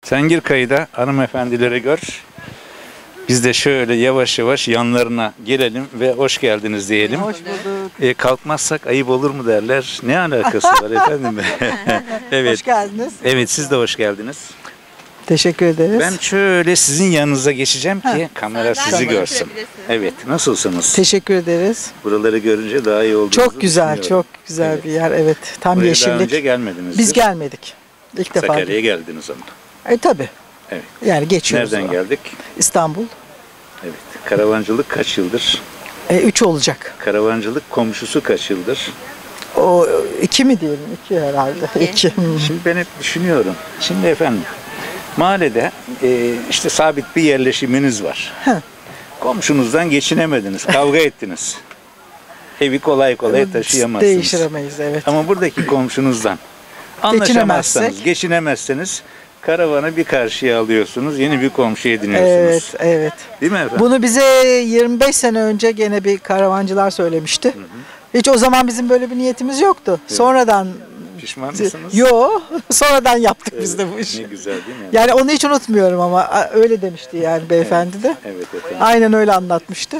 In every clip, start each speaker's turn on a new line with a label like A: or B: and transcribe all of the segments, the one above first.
A: Sen gir kayıda, hanımefendileri gör. Biz de şöyle yavaş yavaş yanlarına gelelim ve hoş geldiniz diyelim.
B: Hoş bulduk.
A: Kalkmazsak ayıp olur mu derler. Ne alakası var efendim? Evet.
B: Hoş geldiniz.
A: Evet, siz de hoş geldiniz.
B: Teşekkür ederiz.
A: Ben şöyle sizin yanınıza geçeceğim ki kamera
C: Sen
A: sizi
C: de
A: görsün. Evet, nasılsınız?
B: Teşekkür ederiz.
A: Buraları görünce daha iyi olduğunuzu
B: Çok güzel,
A: düşünüyorum.
B: çok güzel
A: Evet.
B: bir yer. Evet, tam
A: Buraya daha
B: yeşillik.
A: önce gelmediniz.
B: Biz gelmedik. İlk defa.
A: Sakarya'ya geldiniz ama.
B: Tabii.
A: Evet.
B: Yani geçiyoruz.
A: Nereden geldik?
B: İstanbul.
A: Evet. Karavancılık kaç yıldır?
B: 3 olacak.
A: Karavancılık komşusu kaç yıldır?
B: O 2 mi diyelim? 2 herhalde. 2.
A: Şimdi ben hep düşünüyorum. Şimdi efendim mahallede işte sabit bir yerleşiminiz var.
B: Hı.
A: Komşunuzdan geçinemediniz, kavga ettiniz. Evi kolay kolay taşıyamazsınız.
B: Değiştiremeyiz, evet.
A: Ama buradaki komşunuzdan anlaşamazsanız, geçinemezseniz karavanı bir karşıya alıyorsunuz, yeni bir komşu ediniyorsunuz.
B: Evet, evet.
A: Değil mi efendim?
B: Bunu bize 25 sene önce gene bir karavancılar söylemişti. Hiç o zaman bizim böyle bir niyetimiz yoktu. Sonradan
A: Pişman mısınız?
B: sonradan yaptık biz de bu işi.
A: Ne güzel değil mi?
B: Yani onu hiç unutmuyorum ama öyle demişti yani beyefendi de.
A: Evet efendim.
B: Aynen öyle anlatmıştı.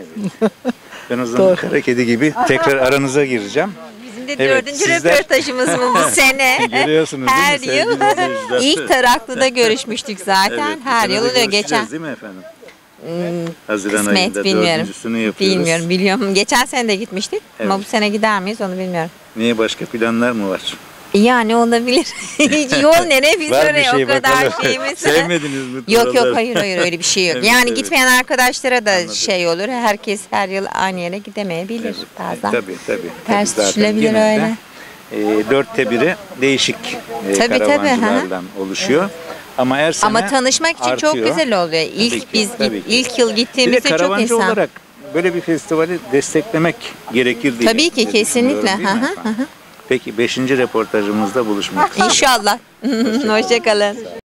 A: Ben o zaman
B: Doğru.
A: kara kedi gibi tekrar aranıza gireceğim.
C: Bizim de
A: Evet,
C: dördüncü
A: sizler-
C: röportajımız bu sene.
A: Görüyorsunuz değil mi
C: Her
A: sevgili
C: yıl.
A: izleyiciler?
C: İlk Taraklı'da görüşmüştük zaten.
A: Evet, bu
C: Her
A: sene
C: yıl
A: de
C: oluyor.
A: görüşeceğiz
C: Geçen
A: değil mi efendim? Haziran
C: kısmet
A: ayında
C: bilmiyorum.
A: dördüncüsünü yapıyoruz.
C: Bilmiyorum, biliyorum. Geçen sene de gitmiştik ama
A: Evet.
C: bu sene gider miyiz onu bilmiyorum.
A: Niye, başka planlar mı var?
C: Yani olabilir. Yol nereye biz
A: Var bir
C: oraya
A: şey
C: o kadar
A: bakalım.
C: şeyimiz.
A: Sevmediniz mi?
C: Yok
A: buraları?
C: hayır öyle bir şey yok.
A: Evet,
C: yani
A: evet.
C: gitmeyen arkadaşlara da
A: Anladım.
C: şey olur. Herkes her yıl aynı yere gidemeyebilir
A: Evet,
C: bazen.
A: tabii.
C: Ters
A: Zaten
C: düşülebilir
A: genelde, dörtte biri değişik
C: Tabii,
A: karavancılardan oluşuyor. Ama her sene
C: Ama tanışmak için çok
A: artıyor.
C: güzel oluyor. İlk
A: Tabii ki,
C: biz
A: tabii ki.
C: ilk yıl
A: Bir de
C: gittiğimizde çok
A: karavancı
C: insan.
A: olarak böyle bir festivali desteklemek gerekir diye.
C: Tabii ki,
A: diye
C: kesinlikle.
A: düşünüyorum, değil mi
C: Hı hı,
A: efendim? Peki 5. röportajımızda buluşmak üzere.
C: İnşallah. Hoşça kalın.